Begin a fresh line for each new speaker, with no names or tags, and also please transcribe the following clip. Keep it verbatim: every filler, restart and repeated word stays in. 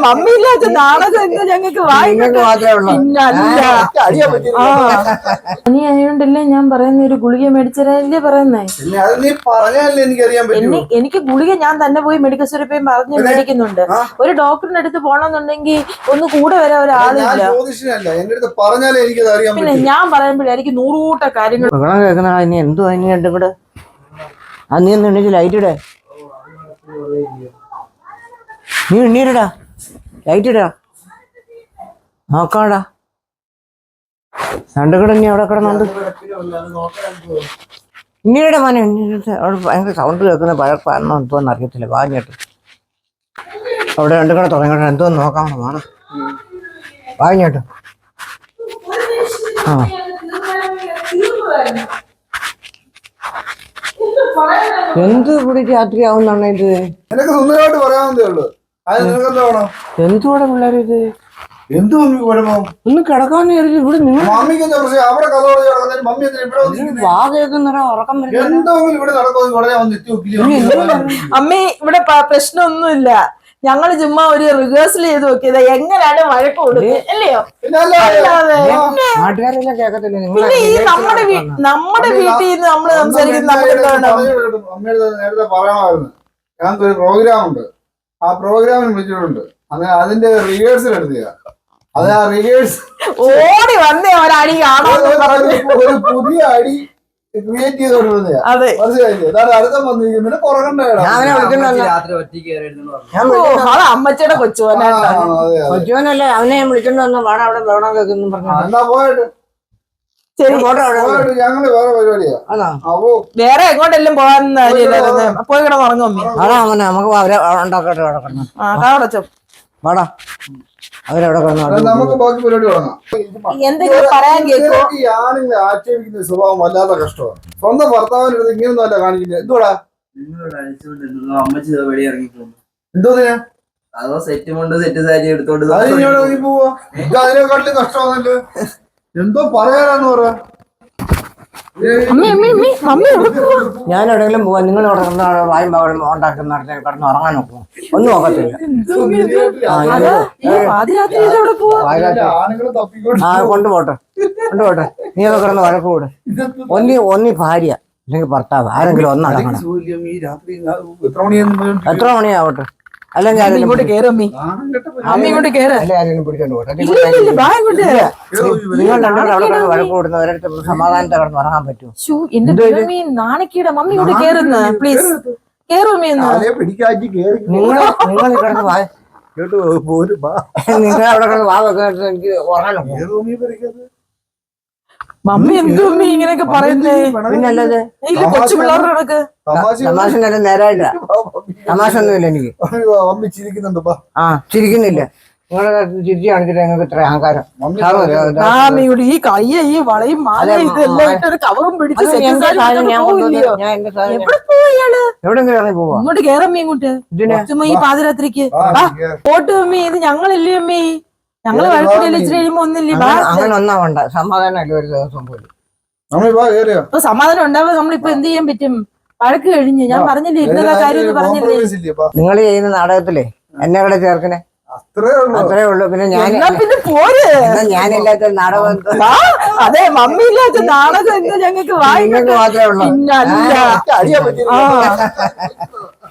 Mummy ഇല്ലാത്ത നാടകം എന്താ ഞങ്ങൾക്ക് പനി ആയോണ്ടല്ലേ ഞാൻ പറയുന്ന ഒരു ഗുളിക മേടിച്ചതല്ലേ പറയുന്നേ. എനിക്ക് ഗുളിക ഞാൻ തന്നെ പോയി മെഡിക്കൽ സ്റ്റോറിൽ പോയി പറഞ്ഞ് മേടിക്കുന്നുണ്ട്. ഒരു ഡോക്ടറിന്റെ അടുത്ത് പോണെന്നുണ്ടെങ്കിൽ ഒന്ന് കൂടെ വരാൻ ഒരാളില്ല. പിന്നെ ഞാൻ പറയുമ്പോഴേ എനിക്ക് നൂറൂട്ട കാര്യങ്ങൾ
എന്തോ അതിനുണ്ട് ഇവിടെ. ആ നീ ഒന്ന് എണ്ണിച്ച് ലൈറ്റ് ഇടേ, നീ എണ്ണീരടാ, ലൈറ്റ് ഇടാ നോക്കാടാ. രണ്ട് കൂടെ ഇനി അവിടെ കിടന്നുണ്ട്. ഇന്നീടെ മോനെ അവിടെ ഭയങ്കര സൗണ്ട് കേൾക്കുന്ന പഴപ്പാണെന്നോ എന്തോന്ന് അറിയത്തില്ല. വാങ്ങിട്ട് അവിടെ രണ്ടു കൂടെ തുടങ്ങിയിട്ട് എന്തോന്ന് നോക്കാമോ വേണം. വാങ്ങിട്ട് ആ എന്ത് ഇവിടെ രാത്രി ആവുന്നാണ് ഇത്? എന്തുകൂടെ പിള്ളേർ ഇത്? ഒന്ന് കിടക്കാന്ന് കരുതി ഇവിടെ നിങ്ങൾ ഉറക്കം
അമ്മേ ഇവിടെ പ്രശ്നമൊന്നുമില്ല. ഞങ്ങള് ചുമ്മാ ഒരു റിഹേഴ്സൽ ചെയ്ത് നോക്കിയത് എങ്ങനെയാണ് വഴക്ക് കൊടുക്കുന്നത് അല്ലയോ.
നാട്ടുകാരെല്ലാം കേൾക്കത്തില്ല.
പിന്നെ ഈ നമ്മുടെ നമ്മുടെ വീട്ടിൽ നിന്ന് നമ്മള് സംസാരിക്കുന്നത്
നേരത്തെ പറയണമായിരുന്നു. ഞങ്ങൾക്ക് ഒരു പ്രോഗ്രാം ഉണ്ട്, ആ പ്രോഗ്രാമിന് വിളിച്ചിട്ടുണ്ട്. അങ്ങനെ അതിന്റെ റിഹേഴ്സൽ എടുത്തുക. അത് ആ റിഹേഴ്സൽ
ഓടി വന്നേ ഒരടി കാണാൻ
ഒരു പുതിയ അടി ക്രിയേറ്റ് ചെയ്തോണ്ടിരുന്നതാ. മനസ്സിലായില്ലേ? അതാണ് അടുത്തം വന്നിരിക്കുന്നത്.
അമ്മച്ചയുടെ കൊച്ചുവനെ
കൊച്ചുവനല്ലേ അവനെ വിളിച്ചോണ്ട് വന്നു. വേണം അവിടെ വേണം കേൾക്കുന്നു പറഞ്ഞു.
എന്നാ പോയിട്ട് ഞങ്ങള് വേറെ പരിപാടിയാ.
വേറെ എങ്ങോട്ടെല്ലാം പോകാൻ പോയി കിടന്നുറങ്ങും.
നമുക്ക് അവരെ ഉണ്ടാക്കട്ടെ. വാടാ അവരവിടെ
നമുക്ക് ബാക്കി പരിപാടി തുടങ്ങാം.
എന്തെങ്കിലും പറയാൻ കേൾക്കോ?
ഈ ആണുങ്ങളെ ആക്ഷേപിക്കുന്ന സ്വഭാവം വല്ലാത്ത കഷ്ടമാണ്. സ്വന്തം ഭർത്താവിന്റെ അടുത്ത് ഇങ്ങനൊന്നും അല്ല കാണിക്കുന്നത്. എന്തുവാടാ
അമ്മച്ചി വെളി ഇറങ്ങിപ്പോ
എന്തോ
അതോ സെറ്റ് കൊണ്ട് സെറ്റ് സാരി എടുത്തോണ്ട്
പോവാ. അതിനെക്കാട്ടിലും കഷ്ടമാണല്ലോ. എന്തോ പറയാനാന്ന് പറയാ.
ഞാൻ എവിടെയെങ്കിലും പോവാ. നിങ്ങൾ വായും പകലും ഉണ്ടാക്കുന്ന കിടന്ന് ഉറങ്ങാൻ നോക്കും. ഒന്നും നോക്കത്തില്ല. ആ കൊണ്ടുപോട്ടെ കൊണ്ടുപോട്ടെ. നീ ഒക്കെ കിടന്ന് വഴക്ക് കൂടെ. ഒന്നി ഒന്നി ഭാര്യ അല്ലെങ്കിൽ ഭർത്താവ് ആരെങ്കിലും ഒന്നടങ്ങണം. എത്ര മണിയാവട്ടെ. അല്ലെങ്കിൽ ആരെങ്കിലും പിടിച്ചോണ്ട് പോട്ടെ. നിങ്ങൾ രണ്ടാളും അവിടെ കിടന്ന് വഴക്ക് കൂടുന്ന ഒരിടത്ത് സമാധാനത്തെ കിടന്ന് ഉറങ്ങാൻ പറ്റുമോ?
നാണിക്കയുടെ മമ്മി ഇങ്ങോട്ട് കേറുന്ന പ്ലീസ്.
നിങ്ങൾ നിങ്ങൾ കിടന്ന് വാ നിങ്ങൾ അവിടെ കിടന്ന് വാ വെക്കാൻ എനിക്ക് ഉറങ്ങാനോ?
മമ്മി എന്തോ മമ്മി ഇങ്ങനെയൊക്കെ പറയുന്നേ?
പിന്നല്ലത്
കൊച്ചു പിള്ളേരുടെ കണക്ക്
തമാശ നേരായില്ല. തമാശ ഒന്നുമില്ല എനിക്ക്. ആ ചിരിക്കുന്നില്ല. നിങ്ങളെ ചിരിച്ചു കാണിച്ചിട്ട് ഞങ്ങൾക്ക് ഇത്ര അഹങ്കാരം.
ഈ കയ്യ ഈ വളയും കവറും പിടിച്ച്
എവിടെങ്കിലും ഇറങ്ങി പോവാ.
ഇങ്ങോട്ട് കേറമ്മി ഇങ്ങോട്ട് ചുമ്മാ ഈ പാതിരാത്രിക്ക് പോട്ട് മമ്മി. ഇത് ഞങ്ങളില്ലേ അമ്മി? ഞങ്ങള് വഴക്കിടയിൽ ഇച്ചിരി കഴിയുമ്പോ ഒന്നില്ലേ.
അങ്ങനെ ഒന്നാ വേണ്ട. സമാധാനം ഒരു ദിവസം പോലും
സമാധാനം ഉണ്ടാവുക. നമ്മളിപ്പോ എന്ത് ചെയ്യാൻ പറ്റും? വഴക്ക് കഴിഞ്ഞ് ഞാൻ പറഞ്ഞില്ലേ ഇരുന്ന കാര്യം പറഞ്ഞില്ലേ.
നിങ്ങൾ ചെയ്യുന്ന നാടകത്തിലെ എന്നെ കൂടെ ചേർക്കണേ. അത്രേ ഉള്ളൂ. പിന്നെ ഞാൻ
പിന്നെ പോര്.
ഞാനില്ലാത്ത നാടകം.
അതെ മമ്മി ഇല്ലാത്ത നാടകം എന്താ ഞങ്ങൾക്ക്
മാത്രമേ ഉള്ളൂ.